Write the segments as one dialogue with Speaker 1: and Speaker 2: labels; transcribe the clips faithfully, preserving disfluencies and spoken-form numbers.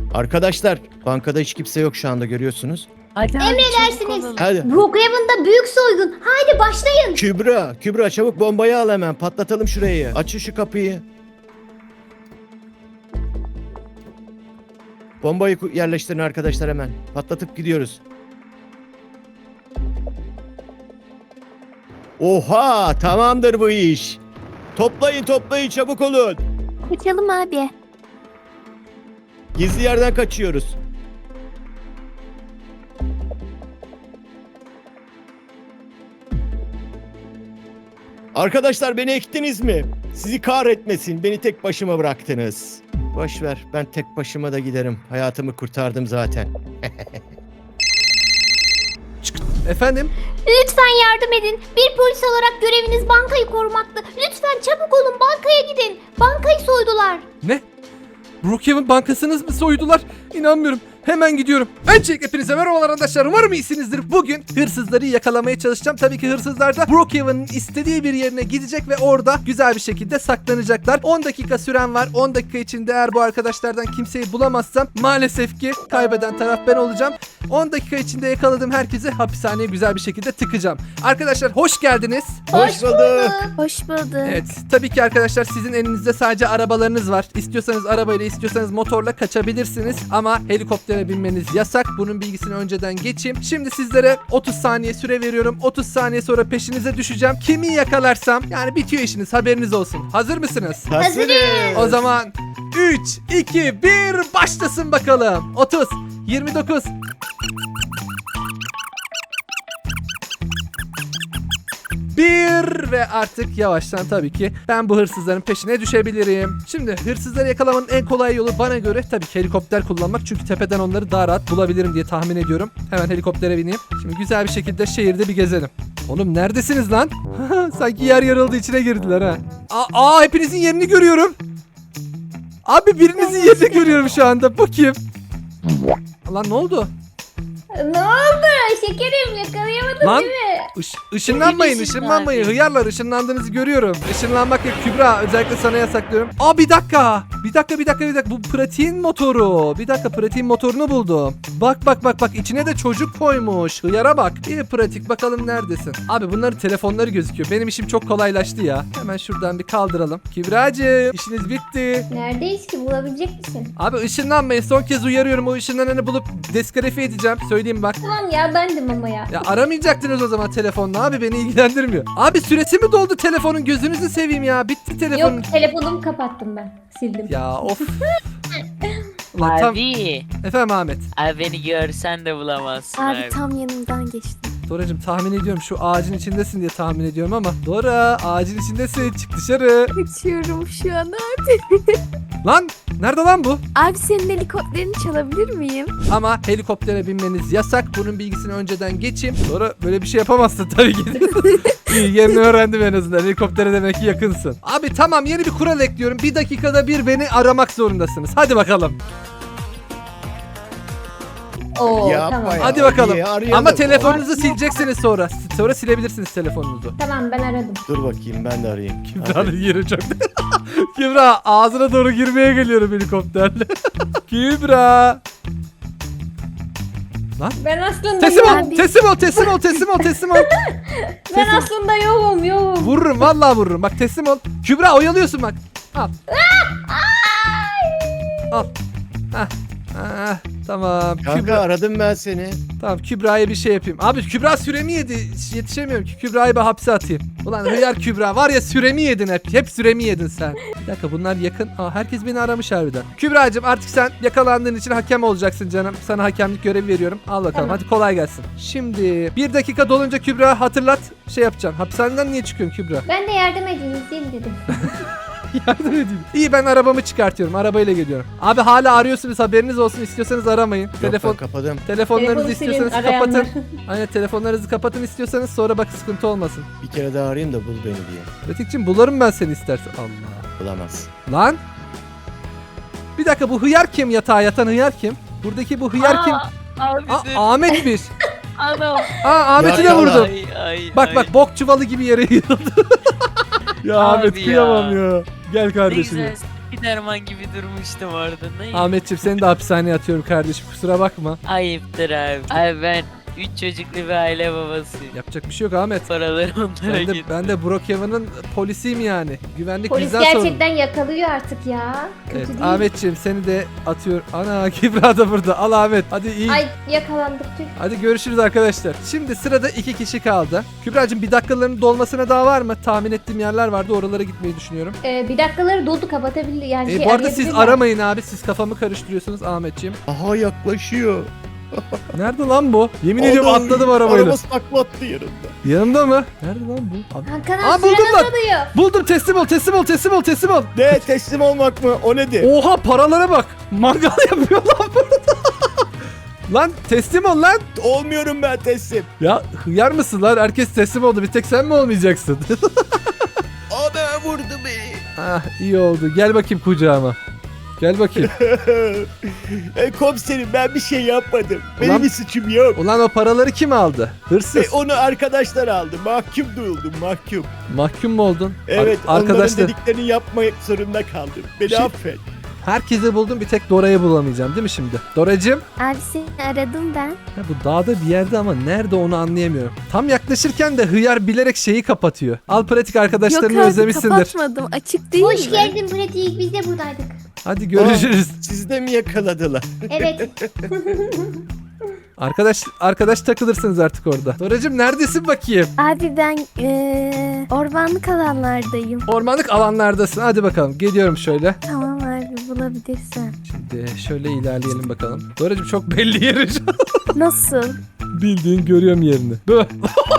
Speaker 1: Arkadaşlar bankada hiç kimse yok şu anda görüyorsunuz.
Speaker 2: Hadi
Speaker 3: Emredersiniz.
Speaker 1: Hadi.
Speaker 3: Brookhaven'da büyük soygun. Haydi başlayın.
Speaker 1: Kübra, Kübra çabuk bombayı al hemen. Patlatalım şurayı. Açın şu kapıyı. Bombayı ku- yerleştirin arkadaşlar hemen. Patlatıp gidiyoruz. Oha, tamamdır bu iş. Toplayın toplayın çabuk olun.
Speaker 3: Kaçalım abi.
Speaker 1: Gizli yerden kaçıyoruz. Arkadaşlar beni ektiniz mi? Sizi kahretmesin. Beni tek başıma bıraktınız. Boş ver. Ben tek başıma da giderim. Hayatımı kurtardım zaten.
Speaker 4: Efendim?
Speaker 3: Lütfen yardım edin. Bir polis olarak göreviniz bankayı korumaktı. Lütfen çabuk olun, bankaya gidin. Bankayı soydular.
Speaker 4: Ne? Brookhaven bankasınız mı soydular? İnanmıyorum. Hemen gidiyorum. Öncelikle hepinize merhabalar arkadaşlar. Umarım iyisinizdir. Bugün hırsızları yakalamaya çalışacağım. Tabii ki hırsızlar da Brookhaven'ın istediği bir yerine gidecek ve orada güzel bir şekilde saklanacaklar. on dakika süren var. on dakika içinde eğer bu arkadaşlardan kimseyi bulamazsam maalesef ki kaybeden taraf ben olacağım. on dakika içinde yakaladığım herkesi hapishaneye güzel bir şekilde tıkacağım. Arkadaşlar hoş geldiniz.
Speaker 1: Hoş bulduk.
Speaker 3: Hoş bulduk.
Speaker 4: Evet, tabii ki arkadaşlar sizin elinizde sadece arabalarınız var. İstiyorsanız arabayla, istiyorsanız motorla kaçabilirsiniz ama helikoptere binmeniz yasak. Bunun bilgisini önceden geçeyim. Şimdi sizlere otuz saniye süre veriyorum. otuz saniye sonra peşinize düşeceğim. Kimi yakalarsam yani bitiyor işiniz, haberiniz olsun. Hazır mısınız?
Speaker 1: Hazırız.
Speaker 4: O zaman üç, iki, bir başlasın bakalım. otuz, yirmi dokuz, bir ve artık yavaştan tabii ki ben bu hırsızların peşine düşebilirim. Şimdi hırsızları yakalamanın en kolay yolu bana göre tabii ki helikopter kullanmak. Çünkü tepeden onları daha rahat bulabilirim diye tahmin ediyorum. Hemen helikoptere bineyim. Şimdi güzel bir şekilde şehirde bir gezelim. Oğlum neredesiniz lan? Sanki yer yarıldı, içine girdiler ha. Aa, aa hepinizin yerini görüyorum. Abi birinizin yerini görüyorum şu anda. Bu kim? Lan ne oldu?
Speaker 3: Ne oldu? Şekerim yakalayamadım
Speaker 4: Lan
Speaker 3: değil mi?
Speaker 4: Iş, ışınlanmayın,
Speaker 2: Emin misin
Speaker 4: ışınlanmayın.
Speaker 2: abi?
Speaker 4: Hıyarlar, ışınlandığınızı görüyorum. Işınlanmak yok. Kübra, özellikle sana yasaklıyorum. Aa bir dakika. Bir dakika, bir dakika, bir dakika. Bu pratiğin motoru. Bir dakika, pratiğin motorunu buldum. Bak bak bak bak. İçine de çocuk koymuş. Hıyara bak. İyi pratik. Bakalım neredesin? Abi bunların telefonları gözüküyor. Benim işim çok kolaylaştı ya. Hemen şuradan bir kaldıralım. Kübracığım, işiniz bitti.
Speaker 3: Neredeyiz ki, bulabilecek misin?
Speaker 4: Abi ışınlanmayın. Son kez uyarıyorum. O ışınlananı bulup diskalifiye edeceğim. Söyleyeyim bak.
Speaker 3: Tamam ya, bendim ama ya.
Speaker 4: Ya aramayacaktınız o zaman telefonla abi, beni ilgilendirmiyor. Abi süresi mi doldu telefonun, gözünüzü seveyim ya, bitti telefonun.
Speaker 3: Yok, telefonumu kapattım ben. Sildim.
Speaker 4: Ya of. Ulan tam...
Speaker 2: Abi.
Speaker 4: Efendim Ahmet.
Speaker 2: Abi beni görsen de bulamazsın
Speaker 5: Abi
Speaker 2: abi.
Speaker 5: tam yanımdan geçti.
Speaker 4: Doracığım tahmin ediyorum şu ağacın içindesin diye tahmin ediyorum ama. Dora ağacın içindesin, çık dışarı.
Speaker 5: Kaçıyorum şu an abi.
Speaker 4: Lan nerede lan bu?
Speaker 5: Abi senin helikopterini çalabilir miyim?
Speaker 4: Ama helikoptere binmeniz yasak, bunun bilgisini önceden geçeyim. Dora böyle bir şey yapamazsın tabii ki. İyi, yerini öğrendim en azından, helikoptere demek ki yakınsın. Abi tamam, yeni bir kural ekliyorum, bir dakikada bir beni aramak zorundasınız. Hadi bakalım.
Speaker 3: Oo,
Speaker 1: Yapma
Speaker 3: tamam.
Speaker 1: ya.
Speaker 4: Hadi bakalım.
Speaker 1: İyi, arayalım.
Speaker 4: Ama telefonunuzu sileceksiniz sonra. Sonra silebilirsiniz telefonunuzu.
Speaker 3: Tamam, ben aradım.
Speaker 1: Dur bakayım ben de arayayım.
Speaker 4: Kübra'nın yeri çok... Kübra ağzına doğru girmeye geliyorum helikopterle. Kübra.
Speaker 3: Ben aslında
Speaker 4: Teslim ol,
Speaker 3: yokum.
Speaker 4: teslim ol, teslim ol, teslim ol, teslim ol.
Speaker 3: Ben
Speaker 4: Teslim-
Speaker 3: aslında yokum, yokum.
Speaker 4: Vururum, vallahi vururum. Bak teslim ol. Kübra oyalıyorsun bak. Al. Al. Hah. Ah, tamam.
Speaker 1: Kanka
Speaker 4: Kübra,
Speaker 1: aradım ben seni.
Speaker 4: tamam Kübra'ya bir şey yapayım. Abi Kübra süremi yedi. Yetişemiyorum ki. Kübra'yı ben hapse atayım. Ulan hıyar Kübra var ya, süremi yedin hep. Hep süremi yedin sen. Bir dakika, bunlar yakın. Aa, herkes beni aramış harbiden. Kübra'cığım artık sen yakalandığın için hakem olacaksın canım. Sana hakemlik görevi veriyorum. Al bakalım,
Speaker 3: Tamam.
Speaker 4: hadi kolay gelsin. Şimdi bir dakika dolunca Kübra hatırlat, şey yapacağım. Hapishaneden niye çıkıyorsun Kübra?
Speaker 3: Ben de yardım edeyim, izleyeyim dedim.
Speaker 4: Yardım edeyim. İyi, ben arabamı çıkartıyorum. Arabayla geliyorum. Abi hala arıyorsunuz, haberiniz olsun. İstiyorsanız aramayın.
Speaker 1: Yok,
Speaker 4: Telefon
Speaker 1: ben kapadım.
Speaker 4: telefonlarınızı
Speaker 3: Telefonu silin,
Speaker 4: istiyorsanız
Speaker 3: arayanlar.
Speaker 4: kapatın. Aynen, telefonlarınızı kapatın istiyorsanız, sonra bak sıkıntı olmasın.
Speaker 1: Bir kere daha arayayım da bul beni diye.
Speaker 4: Pratikçim bularım ben seni istersen. Allah.
Speaker 1: Bulamaz.
Speaker 4: Lan. Bir dakika, bu hıyar kim, yatağa yatan hıyar kim? Buradaki bu hıyar kim?
Speaker 2: Abi
Speaker 4: Aa,
Speaker 2: dur.
Speaker 4: Ahmet'miş.
Speaker 2: Anam.
Speaker 4: Aa, Ahmet'i de
Speaker 1: Ya,
Speaker 4: vurdum.
Speaker 2: Ay, ay,
Speaker 4: Bak
Speaker 2: ay.
Speaker 4: bak, bok çuvalı gibi yere yığıldı. Ya
Speaker 2: Abi
Speaker 4: Ahmet
Speaker 2: ya.
Speaker 4: kıyamam ya. Gel
Speaker 2: Ne
Speaker 4: kardeşim.
Speaker 2: güzel.
Speaker 4: ya.
Speaker 2: Spiderman gibi durmuştum orada. Ne?
Speaker 4: Ahmetciğim seni de hapishaneye atıyorum kardeşim, kusura bakma.
Speaker 2: Ayıptır abi. Abi ben üç çocuklu bir aile babasıyım.
Speaker 4: Yapacak bir şey yok Ahmet.
Speaker 2: Paraları onlara
Speaker 4: Ben de,
Speaker 2: gitti.
Speaker 4: ben de Brookhaven'ın polisiyim yani. Güvenlik
Speaker 3: Polis
Speaker 4: bizden sorumlu.
Speaker 3: gerçekten yakalıyor artık ya. Kötü
Speaker 4: Evet
Speaker 3: değil.
Speaker 4: Ahmetciğim seni de atıyor. Ana Kübra da burada. Al Ahmet. Hadi iyi.
Speaker 3: Ay yakalandık tüh.
Speaker 4: Hadi görüşürüz arkadaşlar. Şimdi sırada iki kişi kaldı. Kübra'cığım bir dakikaların dolmasına daha var mı? Tahmin ettiğim yerler vardı. Oralara gitmeyi düşünüyorum.
Speaker 3: Ee, bir dakikaları doldu kapatabilir yani.
Speaker 4: E,
Speaker 3: şey,
Speaker 4: bu arada siz
Speaker 3: arayabilirler.
Speaker 4: aramayın abi. Siz kafamı karıştırıyorsunuz Ahmetciğim.
Speaker 1: Aha yaklaşıyor.
Speaker 4: Nerede lan bu? Yemin ediyorum
Speaker 1: Adam-
Speaker 4: atladım arabayla.
Speaker 1: Araba saklattı yanında.
Speaker 4: Yanımda mı? Nerede lan bu? Abi-
Speaker 3: Hakan
Speaker 4: Aa,
Speaker 3: abi
Speaker 4: buldum
Speaker 3: süren
Speaker 4: lan.
Speaker 3: azalıyor.
Speaker 4: Buldum, teslim ol teslim ol teslim ol teslim ol.
Speaker 1: Ne teslim olmak mı? O nedir?
Speaker 4: Oha paralara bak. Mangal yapıyor lan burada. Lan teslim ol lan.
Speaker 1: Olmuyorum ben teslim.
Speaker 4: Ya hıyar mısın lan? Herkes teslim oldu. Bir tek sen mi olmayacaksın?
Speaker 1: Ana vurdu beni.
Speaker 4: Ah iyi oldu. Gel bakayım kucağıma. Gel bakayım.
Speaker 1: e, komiserim ben bir şey yapmadım. Benim
Speaker 4: Ulan-
Speaker 1: bir suçum yok.
Speaker 4: Ulan o paraları kim aldı? Hırsız.
Speaker 1: E, onu arkadaşlar aldı. Mahkum duyuldum mahkum.
Speaker 4: Mahkum mu oldun?
Speaker 1: Evet
Speaker 4: Ar-
Speaker 1: onların
Speaker 4: arkadaşlar
Speaker 1: dediklerini yapmak zorunda kaldım. Beni
Speaker 4: Şey-
Speaker 1: affet.
Speaker 4: herkese buldum, bir tek Dora'yı bulamayacağım değil mi şimdi? Doracığım.
Speaker 5: Abi seni aradım ben.
Speaker 4: Ya bu dağda bir yerde ama nerede onu anlayamıyorum. Tam yaklaşırken de hıyar bilerek şeyi kapatıyor. Al pratik arkadaşlarını
Speaker 5: Yok abi
Speaker 4: özlemişsindir.
Speaker 5: kapatmadım. Açık değil
Speaker 3: Hoş
Speaker 5: mi?
Speaker 3: geldin pratik, biz de buradaydık.
Speaker 4: Hadi görüşürüz.
Speaker 1: Sizi de mi yakaladılar?
Speaker 3: Evet.
Speaker 4: Arkadaş arkadaş takılırsınız artık orada. Doracığım neredesin bakayım?
Speaker 5: Abi ben eee ormanlık alanlardayım.
Speaker 4: Ormanlık alanlardasın. Hadi bakalım. Geliyorum şöyle.
Speaker 5: Tamam abi bulabilirsen.
Speaker 4: Şimdi şöyle ilerleyelim bakalım. Doracığım çok belli yeri.
Speaker 5: Nasıl?
Speaker 4: Bildiğin görüyorum yerini. Böyle.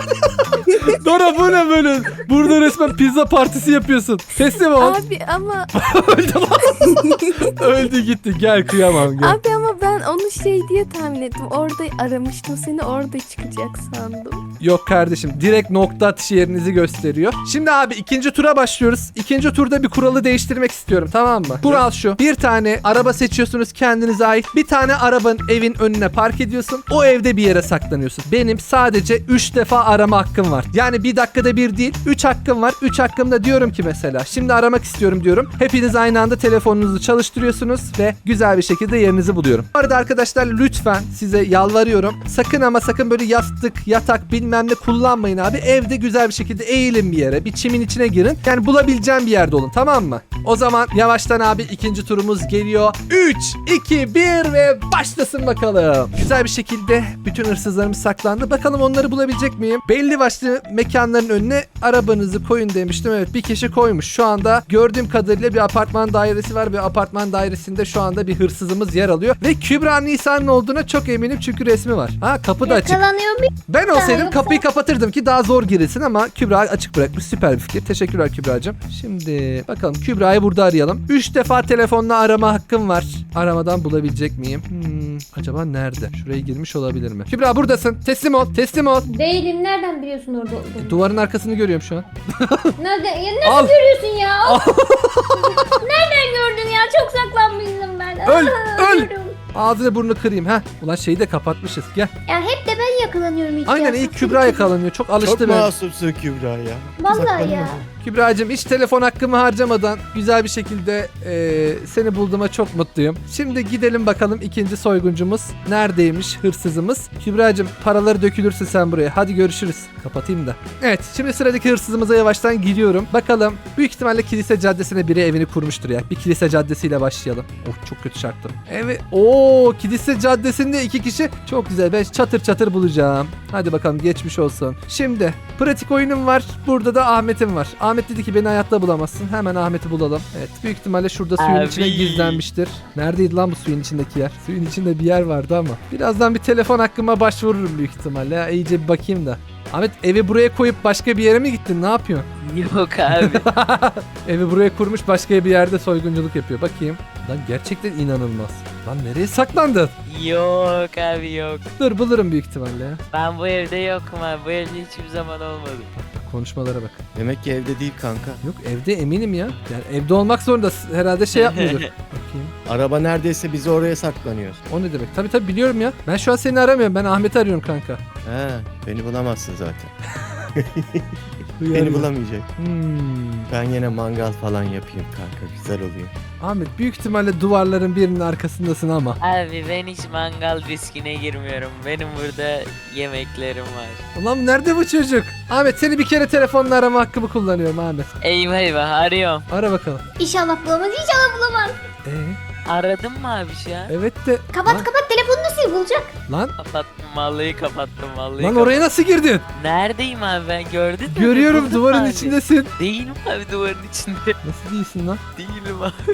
Speaker 4: Dora bu ne böyle? Burada resmen pizza partisi yapıyorsun. Teslim ol.
Speaker 5: Abi ama
Speaker 4: Öldü lan. Öldü gitti. Gel kıyamam gel.
Speaker 5: abi ama ben onu şey diye tahmin ettim. Orada aramıştım seni, orada çıkacak sandım.
Speaker 4: Yok kardeşim, direkt nokta atışı yerinizi gösteriyor. Şimdi abi ikinci tura başlıyoruz. İkinci turda bir kuralı değiştirmek istiyorum, tamam mı? Kural şu: bir tane araba seçiyorsunuz kendinize ait. Bir tane arabanın evin önüne park ediyorsun. O evde bir yere saklanıyorsun. Benim sadece üç defa arama hakkım var. Yani bir dakikada bir değil, üç hakkım var. üç hakkımda diyorum ki mesela şimdi aramak istiyorum diyorum. Hepiniz aynı anda telefonunuzu çalıştırıyorsunuz ve güzel bir şekilde yerinizi buluyorum. Bu arada arkadaşlar lütfen size yalvarıyorum. Sakın ama sakın böyle yastık, yatak bilmem ne kullanmayın abi. Evde güzel bir şekilde eğilin bir yere. Bir çimin içine girin. Yani bulabileceğim bir yerde olun, tamam mı? O zaman yavaştan abi ikinci turumuz geliyor. üç, iki, bir ve başlasın bakalım. Güzel bir şekilde bütün hırsızlarımız saklandı. Bakalım onları bulabilecek miyim? Belli başlı mekanların önüne arabanızı koyun demiştim. Evet, bir kişi koymuş. Şu anda gördüğüm kadarıyla bir apartman dairesi var ve apartman dairesinde şu anda bir hırsızımız yer alıyor. Ve Kübra Nisa'nın olduğuna çok eminim çünkü resmi var. Ha, kapı da açık.
Speaker 3: Yakalanıyor muyum?
Speaker 4: Ben olsaydım
Speaker 3: yoksa-
Speaker 4: kapıyı kapatırdım ki daha zor girilsin ama Kübra açık bırakmış. Süper bir fikir. Teşekkürler Kübra'cığım. Şimdi bakalım Kübra'yı burada arayalım. üç defa telefonla arama hakkım var. Aramadan bulabilecek miyim? Hmm, acaba nerede? Şuraya girmiş olabilir mi? Kübra buradasın. Teslim ol. Teslim ol.
Speaker 3: Değilim, nereden biliyorsun orada olduğumu?
Speaker 4: Duvarın arkasını görüyorum şu an.
Speaker 3: Nereden? Ya nasıl
Speaker 4: Al.
Speaker 3: görüyorsun ya? Nereden gördün ya? Çok saklanmışım ben.
Speaker 4: Öl,
Speaker 3: Aa,
Speaker 4: öl.
Speaker 3: ölüyorum.
Speaker 4: Ağzını burnunu kırayım ha. Ulan şeyi de kapatmışız. Gel.
Speaker 3: Ya hep de ben yakalanıyorum hiç.
Speaker 4: Aynen,
Speaker 3: ya.
Speaker 4: ilk Kübra yakalanıyor. Çok alıştı
Speaker 1: Çok
Speaker 4: ben.
Speaker 1: masumsun Kübra ya.
Speaker 3: Vallahi ya.
Speaker 1: Saklanma.
Speaker 4: Kübra'cığım hiç telefon hakkımı harcamadan güzel bir şekilde eee, seni bulduğuma çok mutluyum. Şimdi gidelim bakalım ikinci soyguncumuz neredeymiş, hırsızımız. Kübra'cığım paraları dökülürsün sen buraya. Hadi görüşürüz. Kapatayım da. Evet, şimdi sıradaki hırsızımıza yavaştan gidiyorum. Bakalım, büyük ihtimalle kilise caddesine biri evini kurmuştur ya. Bir kilise caddesiyle başlayalım. Oh, çok kötü çarptım. Evet. Oo, kilise caddesinde iki kişi. Çok güzel. Ben çatır çatır bulacağım. Hadi bakalım, geçmiş olsun. Şimdi pratik oyunum var. Burada da Ahmet'im var. Ahmet dedi ki beni hayatta bulamazsın. Hemen Ahmet'i bulalım. Evet, büyük ihtimalle şurada suyun
Speaker 2: Abi.
Speaker 4: içine gizlenmiştir. Neredeydi lan bu suyun içindeki yer? Suyun içinde bir yer vardı ama. Birazdan bir telefon hakkıma başvururum büyük ihtimalle. Ya, iyice bir bakayım da. Ahmet, evi buraya koyup başka bir yere mi gittin? Ne yapıyorsun?
Speaker 2: Yok abi.
Speaker 4: Evi buraya kurmuş, başka bir yerde soygunculuk yapıyor. Bakayım. Lan gerçekten inanılmaz. Lan nereye saklandın?
Speaker 2: Yok abi yok.
Speaker 4: Dur, bulurum büyük ihtimalle ya.
Speaker 2: Ben bu evde yokum abi. Bu evde hiçbir zaman olmadım.
Speaker 4: Konuşmalara bak.
Speaker 1: Demek ki evde değil kanka.
Speaker 4: Yok, evde eminim ya. Yani evde olmak zorunda. Herhalde şey yapmıyordur. Bakayım.
Speaker 1: Araba neredeyse biz oraya saklanıyoruz.
Speaker 4: O ne demek? Tabii tabii biliyorum ya. Ben şu an seni aramıyorum. Ben Ahmet'i arıyorum kanka.
Speaker 1: He, beni bulamazsın zaten.
Speaker 4: Hıyar
Speaker 1: Beni
Speaker 4: ya.
Speaker 1: bulamayacak.
Speaker 4: Hmm.
Speaker 1: Ben yine mangal falan yapayım kanka. Güzel oluyor.
Speaker 4: Ahmet büyük ihtimalle duvarların birinin arkasındasın ama.
Speaker 2: Abi ben hiç mangal riskine girmiyorum. Benim burada yemeklerim var.
Speaker 4: Ulan nerede bu çocuk? Ahmet seni bir kere telefonla arama hakkımı kullanıyorum Ahmet.
Speaker 2: Eyvah eyvah arıyorum.
Speaker 4: Ara bakalım.
Speaker 3: İnşallah bulamaz, inşallah bulamaz.
Speaker 4: Ee,
Speaker 2: Aradın mı abi şu an?
Speaker 4: evet de.
Speaker 3: Kapat
Speaker 4: lan,
Speaker 3: kapat, telefonunu sil, bulacak.
Speaker 4: Lan,
Speaker 2: Kapattım vallahi kapattım vallahi
Speaker 4: lan
Speaker 2: kapattım.
Speaker 4: oraya nasıl girdin?
Speaker 2: Neredeyim abi ben gördün mü?
Speaker 4: Görüyorum
Speaker 2: Buldun
Speaker 4: duvarın
Speaker 2: abi.
Speaker 4: içindesin.
Speaker 2: Değilim abi duvarın içinde.
Speaker 4: Nasıl değilsin lan?
Speaker 2: Değilim abi.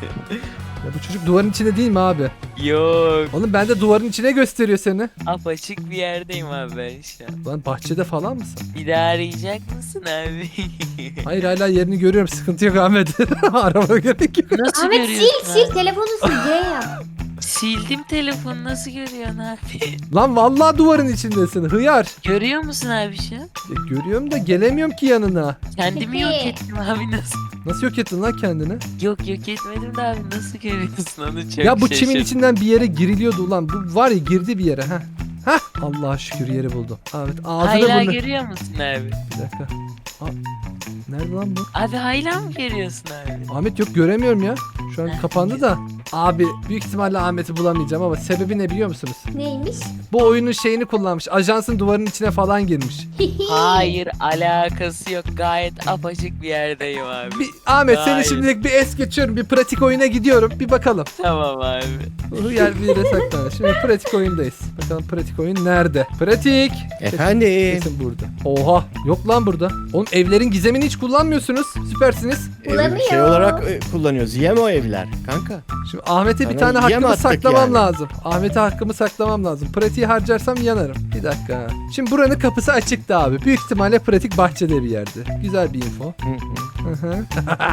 Speaker 4: Ya bu çocuk duvarın içinde değil mi abi?
Speaker 2: Yok.
Speaker 4: Oğlum ben de duvarın içine gösteriyor seni.
Speaker 2: Apaçık bir yerdeyim abi ben şu an.
Speaker 4: Lan bahçede falan mısın?
Speaker 2: Bir daha arayacak mısın abi?
Speaker 4: Hayır hala yerini görüyorum. Sıkıntı yok Ahmet. Arama gerek yok.
Speaker 2: Nasıl
Speaker 3: Ahmet sil
Speaker 2: görüyorsun
Speaker 3: sil,
Speaker 2: abi?
Speaker 3: telefonu sil, G yap.
Speaker 2: Sildim telefonu nasıl görüyorsun abi?
Speaker 4: Lan vallahi duvarın içindesin. Hıyar.
Speaker 2: Görüyor musun abi şu an?
Speaker 4: Ya görüyorum da gelemiyorum ki yanına.
Speaker 2: Kendimi yok ettim abi nasıl?
Speaker 4: Nasıl yok ettin lan kendini?
Speaker 2: Yok yok etmedim de abi nasıl görüyorsun onu çok
Speaker 4: ya bu çimin
Speaker 2: şaşırdım.
Speaker 4: içinden bir yere giriliyordu ulan. Bu var ya girdi bir yere. ha. Hah. Allah'a şükür yeri buldum. Ahmet ağzına
Speaker 2: Hala
Speaker 4: bunu.
Speaker 2: görüyor musun abi?
Speaker 4: Bir dakika. Aa, nerede lan bu?
Speaker 2: Abi hala mı görüyorsun abi?
Speaker 4: Ahmet yok göremiyorum ya. Şu an kapandı da. Abi büyük ihtimalle Ahmet'i bulamayacağım ama sebebi ne biliyor musunuz?
Speaker 3: Neymiş?
Speaker 4: Bu oyunun şeyini kullanmış. Ajansın duvarın içine falan girmiş.
Speaker 2: Hayır alakası yok gayet apaçık bir yerdeyim abi.
Speaker 4: Bir, Ahmet seni
Speaker 2: Hayır.
Speaker 4: şimdilik bir es geçiyorum. Bir pratik oyuna gidiyorum. Bir bakalım.
Speaker 2: Tamam abi.
Speaker 4: Yer bir yere saklanır. Şimdi pratik oyundayız. Bakalım pratik oyun nerede? Pratik.
Speaker 1: Efendim.
Speaker 4: Kesin burada. Oha. Yok lan burada. Oğlum evlerin gizemini hiç kullanmıyorsunuz. Süpersiniz.
Speaker 1: Ev-
Speaker 3: Bulamıyor.
Speaker 1: Şey olarak e, kullanıyoruz. Yem o evler kanka.
Speaker 4: Şimdi Ahmet'e bir
Speaker 1: Sana
Speaker 4: tane
Speaker 1: yem
Speaker 4: hakkımı
Speaker 1: attık
Speaker 4: saklamam
Speaker 1: yani.
Speaker 4: lazım. Ahmet'e hakkımı saklamam lazım. Pratiği harcarsam yanarım. Bir dakika. Şimdi buranın kapısı açıktı abi. Büyük ihtimalle pratik bahçede bir yerde. Güzel bir info.
Speaker 1: Hı hı.
Speaker 4: Hı hı.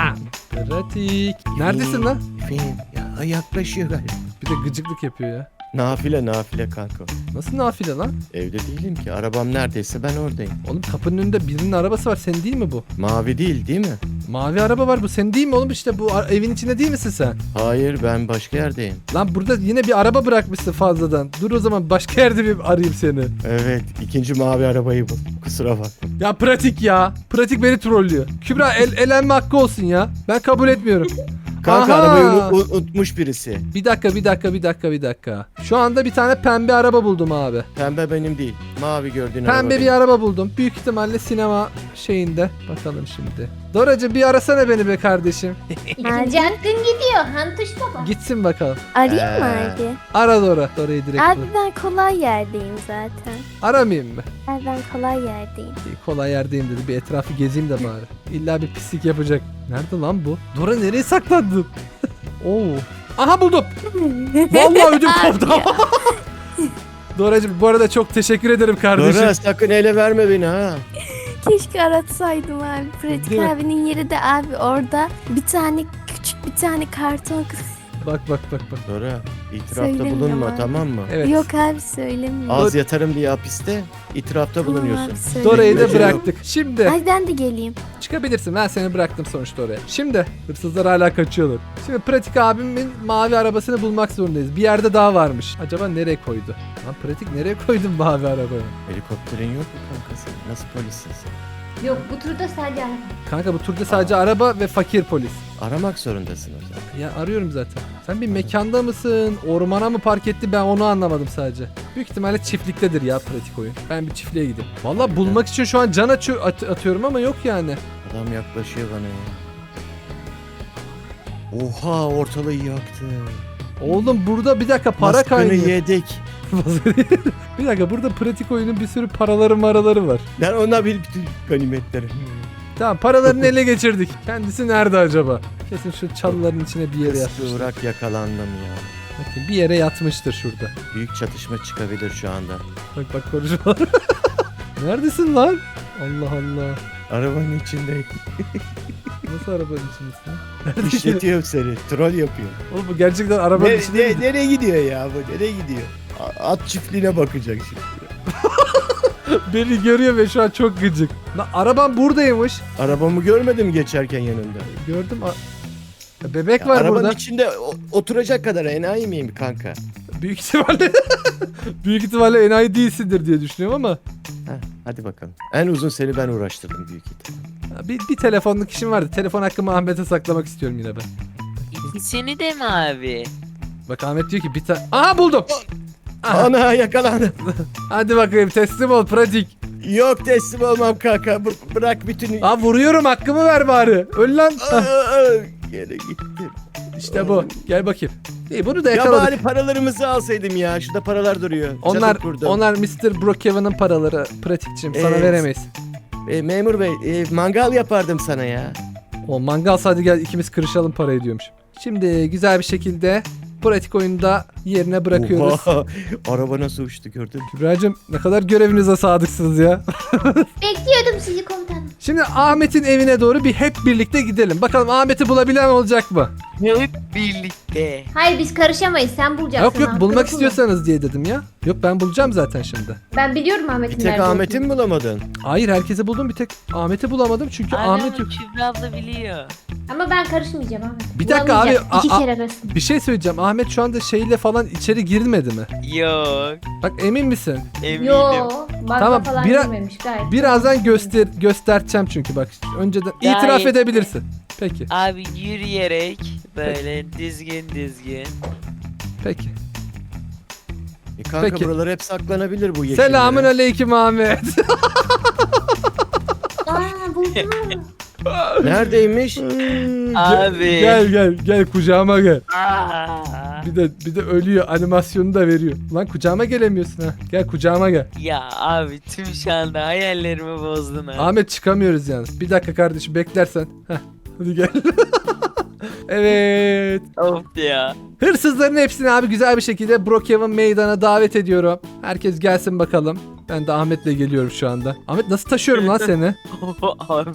Speaker 4: Pratik. Neredesin lan?
Speaker 1: Efendim ya yaklaşıyor galiba.
Speaker 4: Bir de gıcıklık yapıyor ya.
Speaker 1: Nafile nafile kanka.
Speaker 4: Nasıl nafile lan?
Speaker 1: Evde değilim ki. Arabam neredeyse ben oradayım.
Speaker 4: Oğlum kapının önünde birinin arabası var. Senin değil mi bu?
Speaker 1: Mavi değil değil mi?
Speaker 4: Mavi araba var. Bu senin değil mi oğlum? İşte bu ar- evin içinde değil misin sen?
Speaker 1: Hayır ben başka yerdeyim.
Speaker 4: Lan burada yine bir araba bırakmışsın fazladan. Dur o zaman başka yerde bir arayayım seni.
Speaker 1: Evet ikinci mavi arabayı bul. Kusura bak.
Speaker 4: Ya pratik ya. Pratik beni trollüyor. Kübra el elenme hakkı olsun ya. Ben kabul etmiyorum.
Speaker 1: Kanka
Speaker 4: Aha!
Speaker 1: arabayı unu- u- unutmuş birisi.
Speaker 4: Bir dakika bir dakika bir dakika bir dakika. Şu anda bir tane pembe araba buldum abi.
Speaker 1: Pembe benim değil. Mavi gördüğün araba
Speaker 4: Pembe bir
Speaker 1: benim.
Speaker 4: araba buldum. Büyük ihtimalle sinema şeyinde. Bakalım şimdi. Doracığım bir arasana beni be kardeşim.
Speaker 3: İkinci hakkın gidiyor, Hantuş baba.
Speaker 4: Gitsin bakalım.
Speaker 5: Arayayım mı
Speaker 1: Ee.
Speaker 5: abi?
Speaker 4: Ara Dora. Dora'yı direkt
Speaker 5: Abi
Speaker 4: bul.
Speaker 5: ben kolay yerdeyim zaten.
Speaker 4: Aramayayım mı?
Speaker 5: Abi ben kolay yerdeyim.
Speaker 4: İyi, kolay yerdeyim dedi. Bir etrafı gezeyim de bari. İlla bir pislik yapacak. Nerede lan bu? Dora nereye saklandın? Oo. Aha buldum. Vallahi ödüm koptu. Doracığım bu arada çok teşekkür ederim kardeşim.
Speaker 1: Dora sakın ele verme beni ha.
Speaker 5: Keşke aratsaydım abi. Pratik
Speaker 4: Değil mi?
Speaker 5: abinin yeri de abi orada bir tane küçük bir tane karton.
Speaker 4: Bak bak bak bak.
Speaker 1: Dora itirafta
Speaker 5: Söylemiyorum
Speaker 1: bulunma
Speaker 5: abi.
Speaker 1: tamam mı?
Speaker 4: Evet.
Speaker 5: Yok abi söylemiyorum.
Speaker 1: Az yatarım diye hapiste itirafta
Speaker 5: Tamam
Speaker 1: bulunuyorsun.
Speaker 5: abi, söylemiyorum.
Speaker 4: Dora'yı da
Speaker 1: Yok.
Speaker 4: bıraktık. Şimdi
Speaker 5: Ay ben de geleyim.
Speaker 4: çıkabilirsin. Ben seni bıraktım sonuçta oraya. Şimdi hırsızlar hala kaçıyorlar. Şimdi pratik abimin mavi arabasını bulmak zorundayız. Bir yerde daha varmış. Acaba nereye koydu? Lan pratik nereye koydun mavi arabayı?
Speaker 1: Helikopterin yok mu kankası? Nasıl polissin sen?
Speaker 3: Yok, bu turda sadece araba.
Speaker 4: Kanka bu turda sadece araba ve fakir polis.
Speaker 1: Aramak zorundasın o zaman.
Speaker 4: Ya arıyorum zaten. Sen bir mekanda mısın? Ormana mı park etti? Ben onu anlamadım sadece. Büyük ihtimalle çiftliktedir ya pratik oyun. Ben bir çiftliğe gideyim. Valla bulmak için şu an can açıyor, at- atıyorum ama yok yani.
Speaker 1: Adam yaklaşıyor bana ya. Oha ortalığı yaktı.
Speaker 4: Oğlum burada bir dakika para
Speaker 1: Maskını
Speaker 4: kaynıyor.
Speaker 1: yedik.
Speaker 4: Bir dakika burada pratik oyunun bir sürü paraları maraları var.
Speaker 1: Ben ona bir bütün ganimetleri.
Speaker 4: Tamam paralarını ele geçirdik. Kendisi nerede acaba? Kesin şu çalıların içine bir yere yatmıştır.
Speaker 1: Kıvrak yakalandım ya.
Speaker 4: Bakın bir yere yatmıştır şurada.
Speaker 1: Büyük çatışma çıkabilir şu anda.
Speaker 4: Bak bak konuşmalar. Neredesin lan? Allah Allah.
Speaker 1: Arabanın içindeyim.
Speaker 4: Nasıl arabanın içindesin? Neredesin?
Speaker 1: İşletiyorum seni. Troll yapıyor.
Speaker 4: Oğlum bu gerçekten arabanın
Speaker 1: Ne,
Speaker 4: içinde
Speaker 1: ne-
Speaker 4: mi?
Speaker 1: nereye gidiyor ya bu? Nereye gidiyor? A- At çiftliğine bakacak şimdi.
Speaker 4: Beni görüyor ve şu an çok gıcık. Lan araban buradaymış.
Speaker 1: Arabamı görmedim geçerken yanında.
Speaker 4: Gördüm. A- Ya bebek var
Speaker 1: Arabanın
Speaker 4: burada.
Speaker 1: içinde o- oturacak kadar enayi miyim kanka?
Speaker 4: Büyük ihtimalle büyük ihtimalle enayi değilsindir diye düşünüyorum ama
Speaker 1: Heh, Hadi bakalım. En uzun seni ben uğraştırdım büyük ihtimal.
Speaker 4: Bir, bir telefonluk işim vardı. Telefon hakkımı Ahmet'e saklamak istiyorum yine ben.
Speaker 2: İkisini de mi abi?
Speaker 4: Bak Ahmet diyor ki bir tane... Aha buldum. Aha.
Speaker 1: Ana yakalandım.
Speaker 4: Hadi bakayım teslim ol pratik.
Speaker 1: Yok teslim olmam kanka. Bı- bırak bütün...
Speaker 4: Aa vuruyorum hakkımı ver bari. Öl lan.
Speaker 1: Aa,
Speaker 4: Hah,
Speaker 1: aa, Gene gittim.
Speaker 4: İşte bu. Gel bakayım. İyi bunu da
Speaker 1: Ya
Speaker 4: yakaladık.
Speaker 1: bari paralarımızı alsaydım ya. Şurada paralar duruyor.
Speaker 4: Onlar
Speaker 1: Çadır kurdum.
Speaker 4: onlar mister Brookhaven'ın paraları pratikçim sana
Speaker 1: Evet.
Speaker 4: veremeyiz.
Speaker 1: E, memur bey e, mangal yapardım sana ya.
Speaker 4: O mangal hadi gel ikimiz kırışalım parayı diyormuş. Şimdi güzel bir şekilde pratik oyunda yerine bırakıyoruz.
Speaker 1: Oha, araba nasıl uçtu gördün mü?
Speaker 4: Kübra'cığım ne kadar görevinize sadıksınız ya.
Speaker 3: Bekliyordum sizi komutanım.
Speaker 4: Şimdi Ahmet'in evine doğru bir hep birlikte gidelim. Bakalım Ahmet'i bulabilen olacak mı?
Speaker 2: Hep birlikte.
Speaker 3: Hayır biz karışamayız. Sen bulacaksın.
Speaker 4: Yok yok
Speaker 3: Hakkını
Speaker 4: bulmak
Speaker 3: kullan.
Speaker 4: istiyorsanız diye dedim ya. Yok ben bulacağım zaten şimdi.
Speaker 3: Ben biliyorum
Speaker 1: Bir
Speaker 3: Ahmet'in
Speaker 1: tek
Speaker 3: nerede
Speaker 1: Ahmet'i
Speaker 3: olduğunu.
Speaker 1: mi bulamadın?
Speaker 4: Hayır herkese buldum bir tek Ahmet'i bulamadım çünkü
Speaker 2: Abi
Speaker 4: Ahmet
Speaker 2: ama
Speaker 4: yok.
Speaker 2: Kübra abla biliyor.
Speaker 3: Ama ben karışmayacağım Ahmet.
Speaker 4: Bir dakika abi,
Speaker 3: Bulamayacağım. İki
Speaker 4: a- a-
Speaker 3: kere arasın.
Speaker 4: Bir şey söyleyeceğim. Ahmet şu anda şeyle falan içeri girmedi mi?
Speaker 2: Yok.
Speaker 4: Bak emin misin?
Speaker 2: Eminim.
Speaker 3: Yo. Banka
Speaker 4: Tamam,
Speaker 3: falan
Speaker 4: bira-
Speaker 3: girmemiş gayet.
Speaker 4: Birazdan göster göstereceğim çünkü bak önceden
Speaker 2: Gayet-
Speaker 4: itiraf edebilirsin. Peki.
Speaker 2: Abi yürüyerek böyle düzgün düzgün.
Speaker 4: Peki.
Speaker 1: E kanka
Speaker 4: Peki.
Speaker 1: buralar hep saklanabilir bu yeşillere.
Speaker 4: Selamün aleyküm Ahmet.
Speaker 3: Aa buldum.
Speaker 1: Neredeymiş?
Speaker 2: Abi.
Speaker 4: Gel gel gel kucağıma gel.
Speaker 2: Aa.
Speaker 4: Bir de bir de ölüyor animasyonu da veriyor. Lan kucağıma gelemiyorsun ha. Gel kucağıma gel.
Speaker 2: Ya abi tüm şu anda hayallerimi bozdun abi.
Speaker 4: Ahmet çıkamıyoruz yalnız. Bir dakika kardeşim beklersen. Heh, hadi gel. Evet.
Speaker 2: Of ya.
Speaker 4: Hırsızların hepsini abi güzel bir şekilde Brookhaven meydana davet ediyorum. Herkes gelsin bakalım. Ben de Ahmet'le geliyorum şu anda. Ahmet nasıl taşıyorum lan seni?
Speaker 2: Abi.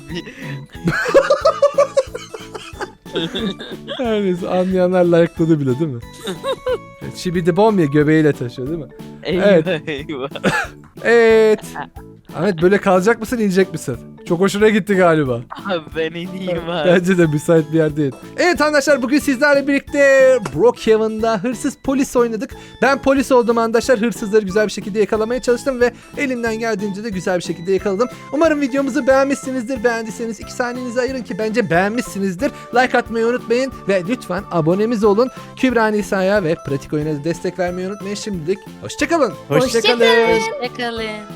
Speaker 4: Her neyse anlayanlar layıkladı bile değil mi? Şibidi bom ya göbeğiyle taşıyor değil mi?
Speaker 2: Eyvah
Speaker 4: Evet.
Speaker 2: eyvah.
Speaker 4: Evet. Ahmet böyle kalacak mısın inecek misin? Çok hoşuna gitti galiba.
Speaker 2: Abi ben ineyim abi.
Speaker 4: Bence de müsait bir yer değil. Evet arkadaşlar bugün sizlerle birlikte Brookhaven'da hırsız polis oynadık. Ben polis oldum arkadaşlar. Hırsızları güzel bir şekilde yakalamaya çalıştım ve elimden geldiğince de güzel bir şekilde yakaladım. Umarım videomuzu beğenmişsinizdir. Beğendiyseniz iki saniyenizi ayırın ki bence beğenmişsinizdir. Like atmayı unutmayın ve lütfen abonemiz olun. Kübra Nisa'ya ve pratik oyuna da destek vermeyi unutmayın. Şimdilik hoşçakalın.
Speaker 1: Hoşçakalın.
Speaker 3: Hoşçakalın.
Speaker 2: Hoşçakalın.